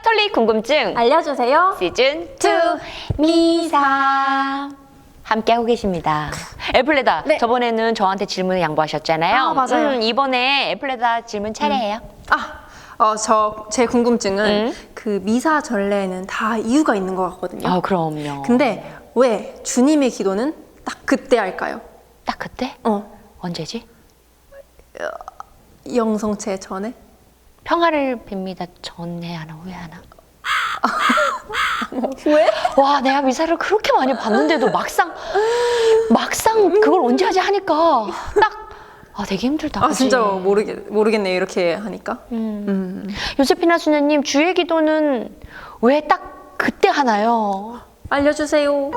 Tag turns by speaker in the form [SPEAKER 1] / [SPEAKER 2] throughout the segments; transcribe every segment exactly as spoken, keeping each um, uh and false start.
[SPEAKER 1] 설리 궁금증
[SPEAKER 2] 알려주세요.
[SPEAKER 1] 시즌 투 미사 함께하고 계십니다. 애플레다,
[SPEAKER 2] 네.
[SPEAKER 1] 저번에는 저한테 질문을 양보하셨잖아요.
[SPEAKER 2] 아, 맞아요.
[SPEAKER 1] 음, 이번에 애플레다 질문 차례예요.
[SPEAKER 2] 아, 어, 저, 제 궁금증은
[SPEAKER 1] 음.
[SPEAKER 2] 그 미사 전례에는 다 이유가 있는 것 같거든요.
[SPEAKER 1] 아, 그럼요.
[SPEAKER 2] 근데 왜 주님의 기도는 딱 그때 할까요?
[SPEAKER 1] 딱 그때?
[SPEAKER 2] 어,
[SPEAKER 1] 언제지?
[SPEAKER 2] 영성체 전에?
[SPEAKER 1] 평화를 빕니다. 전에 하나 후에 하나.
[SPEAKER 2] 왜?
[SPEAKER 1] 와, 내가 미사를 그렇게 많이 봤는데도 막상 막상 그걸 언제 하지 하니까 딱 아, 되게 힘들다.
[SPEAKER 2] 아,
[SPEAKER 1] 그치?
[SPEAKER 2] 진짜 모르겠, 모르겠네요. 이렇게 하니까.
[SPEAKER 1] 음.
[SPEAKER 2] 음.
[SPEAKER 1] 요세피나 수녀님, 주의 기도는 왜 딱 그때 하나요?
[SPEAKER 2] 알려주세요.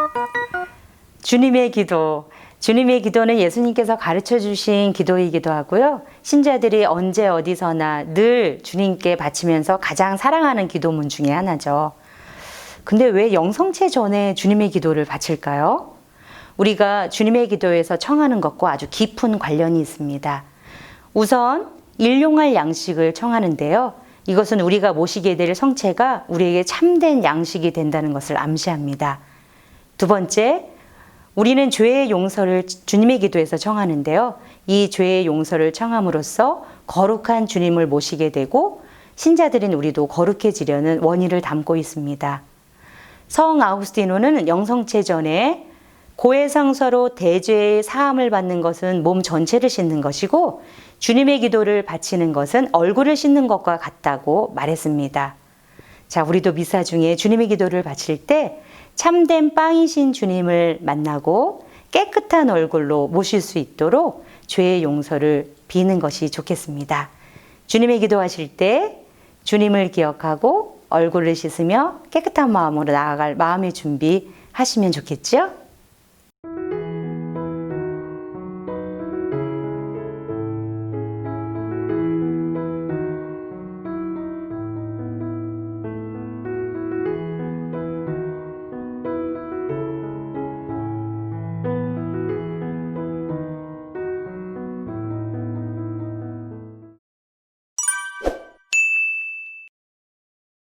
[SPEAKER 3] 주님의 기도. 주님의 기도는 예수님께서 가르쳐 주신 기도이기도 하고요. 신자들이 언제 어디서나 늘 주님께 바치면서 가장 사랑하는 기도문 중에 하나죠. 근데 왜 영성체 전에 주님의 기도를 바칠까요? 우리가 주님의 기도에서 청하는 것과 아주 깊은 관련이 있습니다. 우선 일용할 양식을 청하는데요. 이것은 우리가 모시게 될 성체가 우리에게 참된 양식이 된다는 것을 암시합니다. 두 번째, 우리는 죄의 용서를 주님의 기도에서 청하는데요. 이 죄의 용서를 청함으로써 거룩한 주님을 모시게 되고 신자들인 우리도 거룩해지려는 원의를 담고 있습니다. 성 아우구스티노는 영성체 전에 고해성서로 대죄의 사함을 받는 것은 몸 전체를 씻는 것이고 주님의 기도를 바치는 것은 얼굴을 씻는 것과 같다고 말했습니다. 자, 우리도 미사 중에 주님의 기도를 바칠 때 참된 빵이신 주님을 만나고 깨끗한 얼굴로 모실 수 있도록 죄의 용서를 비는 것이 좋겠습니다. 주님의 기도하실 때 주님을 기억하고 얼굴을 씻으며 깨끗한 마음으로 나아갈 마음의 준비하시면 좋겠죠?